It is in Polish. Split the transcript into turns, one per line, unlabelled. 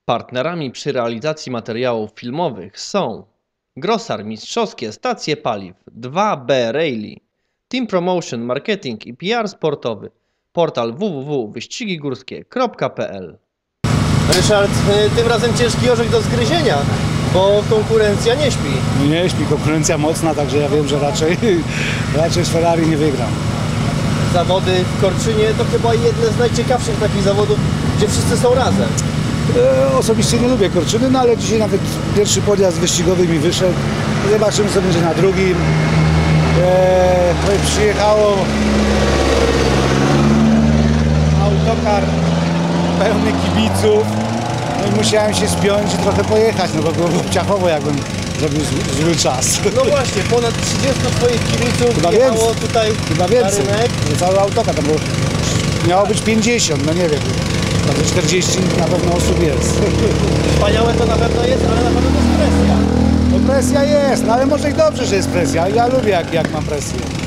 Partnerami przy realizacji materiałów filmowych są Grosar Mistrzowskie Stacje Paliw, 2B Rally, Team Promotion Marketing i PR Sportowy, portal www.wyścigigórskie.pl.
Ryszard, tym razem ciężki orzech do zgryzienia, bo konkurencja nie śpi.
Nie śpi, konkurencja mocna, także ja wiem, że raczej z Ferrari nie wygram.
Zawody w Korczynie to chyba jedne z najciekawszych takich zawodów, gdzie wszyscy są razem.
Osobiście nie lubię Korczyny, no ale dzisiaj nawet pierwszy podjazd wyścigowy mi wyszedł. Zobaczymy, co będzie na drugim. Przyjechało autokar pełny kibiców. No i musiałem się spiąć i trochę pojechać, no bo było obciachowo, jakbym zrobił zły czas.
No właśnie, ponad 30 twoich kibiców
Chyba
jechało
więcej.
tutaj
Chyba
na
więcej.
rynek.
Cały autokar, tam miało być 50, no nie wiem. Tam 40 na pewno osób jest.
Wspaniałe to na pewno jest, ale na pewno to jest presja.
No presja jest, no ale może i dobrze, że jest presja. Ja lubię jak mam presję.